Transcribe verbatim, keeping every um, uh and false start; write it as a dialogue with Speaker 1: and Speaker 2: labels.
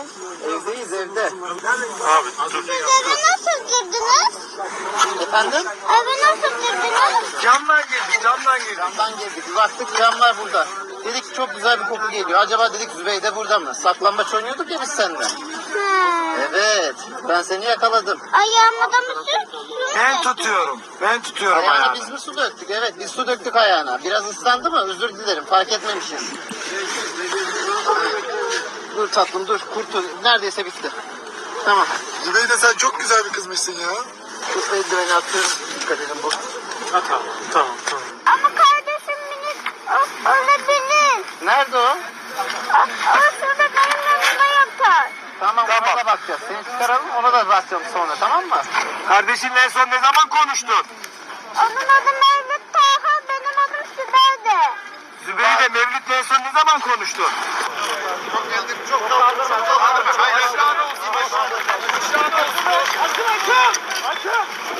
Speaker 1: Neredesiniz?
Speaker 2: Evdeyiz evde.
Speaker 3: Abi dur.
Speaker 1: Eve nasıl girdiniz?
Speaker 2: Efendim?
Speaker 1: Eve nasıl girdiniz?
Speaker 3: Camdan girdik, camdan girdik.
Speaker 2: Camdan girdik. Bir baktık camlar burada. Dedik çok güzel bir koku geliyor. Acaba dedik Zübeyde burada mı? Saklambaç oynuyorduk ya biz seninle.
Speaker 1: Ha.
Speaker 2: Evet. Ben seni yakaladım.
Speaker 1: Ayağıma da mı sürdün?
Speaker 3: Ben tutuyorum. Ben tutuyorum
Speaker 2: Ayağına
Speaker 3: ayağını.
Speaker 2: biz mi su döktük? Evet biz su döktük ayağına. Biraz ıslandı mı? Özür dilerim. Fark etmemişiz. Dur tatlım dur. Kurtul. Neredeyse bitti. Tamam.
Speaker 4: Zübeyde sen çok güzel bir kızmışsın ya.
Speaker 2: Dur eldiveni atıyorum. Dikkat edin bu.
Speaker 3: Ha, tamam, tamam, tamam.
Speaker 1: Ama kardeşim minik o, olabilir.
Speaker 2: Nerede o?
Speaker 1: O, o şurada benim yanımda yatar.
Speaker 2: Tamam,
Speaker 3: Tamam.
Speaker 2: ona da bakacağız. Seni çıkaralım ona da bakacağım sonra, tamam mı?
Speaker 3: Kardeşinle en son ne zaman konuştun?
Speaker 1: Onun adı Mevlüt Taha, benim adım Sibel'de.
Speaker 3: Zübeyde Mevlüt'le en son ne zaman konuştun?
Speaker 4: Çok geldik, çok kaldırma, çok kaldırma. Hayır,
Speaker 3: Aşağıda olsun, aşağıda. Aşağıda olsun. Açın, açın. Açın.